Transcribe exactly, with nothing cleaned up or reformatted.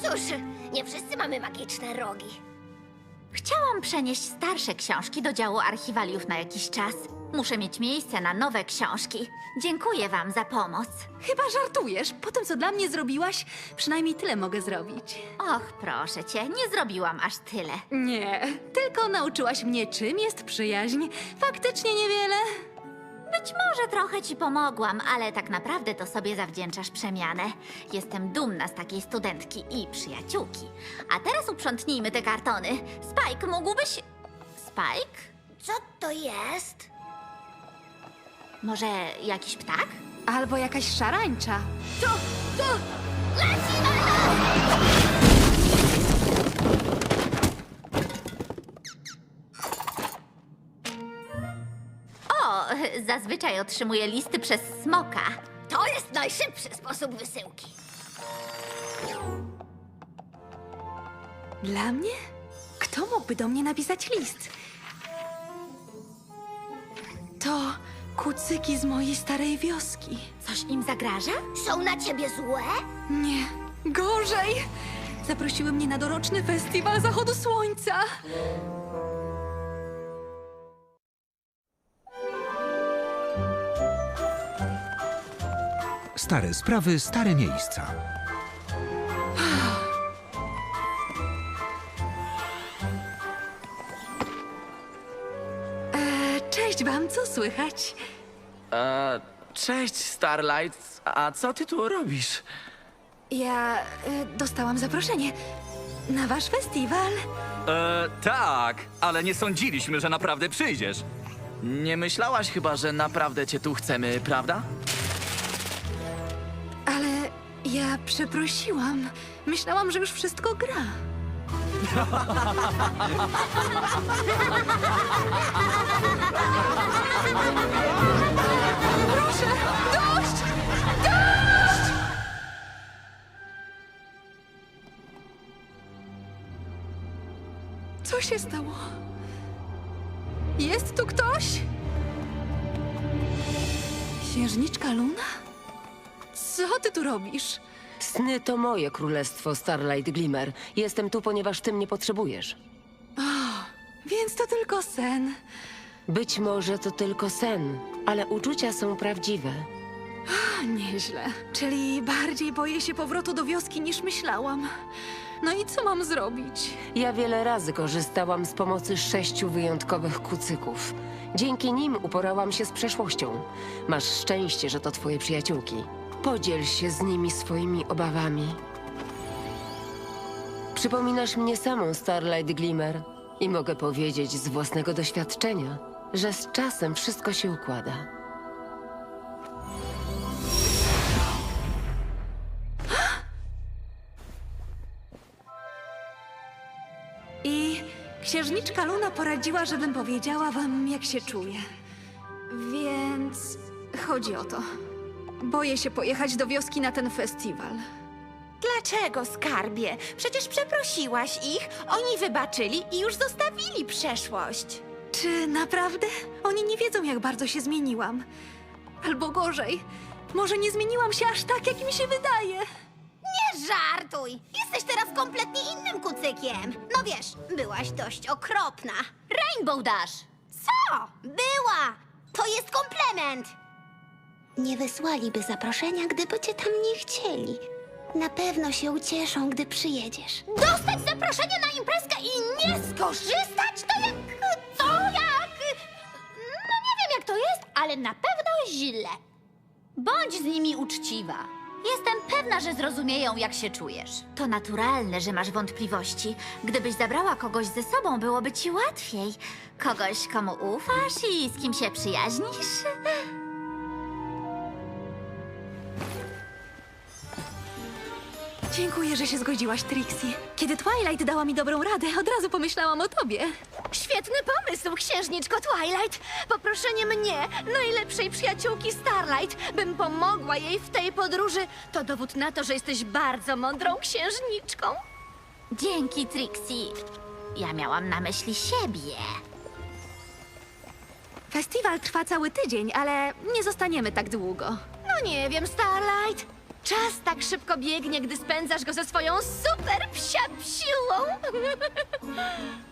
Cóż, nie wszyscy mamy magiczne rogi. Chciałam przenieść starsze książki do działu archiwaliów na jakiś czas. Muszę mieć miejsce na nowe książki. Dziękuję wam za pomoc. Chyba żartujesz. Po tym, co dla mnie zrobiłaś, przynajmniej tyle mogę zrobić. Och, proszę cię, nie zrobiłam aż tyle. Nie, tylko nauczyłaś mnie, czym jest przyjaźń. Faktycznie niewiele. Być może trochę ci pomogłam, ale tak naprawdę to sobie zawdzięczasz przemianę. Jestem dumna z takiej studentki i przyjaciółki. A teraz uprzątnijmy te kartony. Spike, mógłbyś... Spike? Co to jest? Może jakiś ptak? Albo jakaś szarańcza. To, to... Leci na nas! O, zazwyczaj otrzymuję listy przez smoka. To jest najszybszy sposób wysyłki. Dla mnie? Kto mógłby do mnie napisać list? To kucyki z mojej starej wioski. Coś im zagraża? Są na ciebie złe? Nie, gorzej! Zaprosiły mnie na doroczny festiwal zachodu słońca. Stare sprawy, stare miejsca. E, cześć wam, co słychać? E, cześć, Starlight. A co ty tu robisz? Ja e, dostałam zaproszenie na wasz festiwal. E, tak, ale nie sądziliśmy, że naprawdę przyjdziesz. Nie myślałaś chyba, że naprawdę cię tu chcemy, prawda? Ale ja przeprosiłam. Myślałam, że już wszystko gra. Proszę, dość! Dość! Co się stało? Jest tu ktoś? Księżniczka Luna? Co ty tu robisz? Sny to moje królestwo, Starlight Glimmer. Jestem tu, ponieważ ty mnie potrzebujesz. Więc to tylko sen. Być może to tylko sen, ale uczucia są prawdziwe. A, nieźle. Czyli bardziej boję się powrotu do wioski niż myślałam. No i co mam zrobić? Ja wiele razy korzystałam z pomocy sześciu wyjątkowych kucyków. Dzięki nim uporałam się z przeszłością. Masz szczęście, że to twoje przyjaciółki. Podziel się z nimi swoimi obawami. Przypominasz mnie samą, Starlight Glimmer. I mogę powiedzieć z własnego doświadczenia, że z czasem wszystko się układa. I księżniczka Luna poradziła, żebym powiedziała wam, jak się czuję. Więc chodzi o to. Boję się pojechać do wioski na ten festiwal. Dlaczego, skarbie? Przecież przeprosiłaś ich, oni wybaczyli i już zostawili przeszłość. Czy naprawdę? Oni nie wiedzą, jak bardzo się zmieniłam. Albo gorzej, może nie zmieniłam się aż tak, jak mi się wydaje. Nie żartuj! Jesteś teraz kompletnie innym kucykiem. No wiesz, byłaś dość okropna. Rainbow Dash! Co? Była! To jest komplement! Nie wysłaliby zaproszenia, gdyby cię tam nie chcieli. Na pewno się ucieszą, gdy przyjedziesz. Dostać zaproszenie na imprezkę i nie skorzystać? To jak... co jak... no nie wiem jak to jest, ale na pewno źle. Bądź z nimi uczciwa. Jestem pewna, że zrozumieją, jak się czujesz. To naturalne, że masz wątpliwości. Gdybyś zabrała kogoś ze sobą, byłoby ci łatwiej. Kogoś, komu ufasz i z kim się przyjaźnisz. Dziękuję, że się zgodziłaś, Trixie. Kiedy Twilight dała mi dobrą radę, od razu pomyślałam o tobie. Świetny pomysł, księżniczko Twilight. Poproszenie mnie, najlepszej przyjaciółki Starlight, bym pomogła jej w tej podróży, to dowód na to, że jesteś bardzo mądrą księżniczką. Dzięki, Trixie. Ja miałam na myśli siebie. Festiwal trwa cały tydzień, ale nie zostaniemy tak długo. No nie wiem, Starlight. Czas tak szybko biegnie, gdy spędzasz go ze swoją super psia psiłą.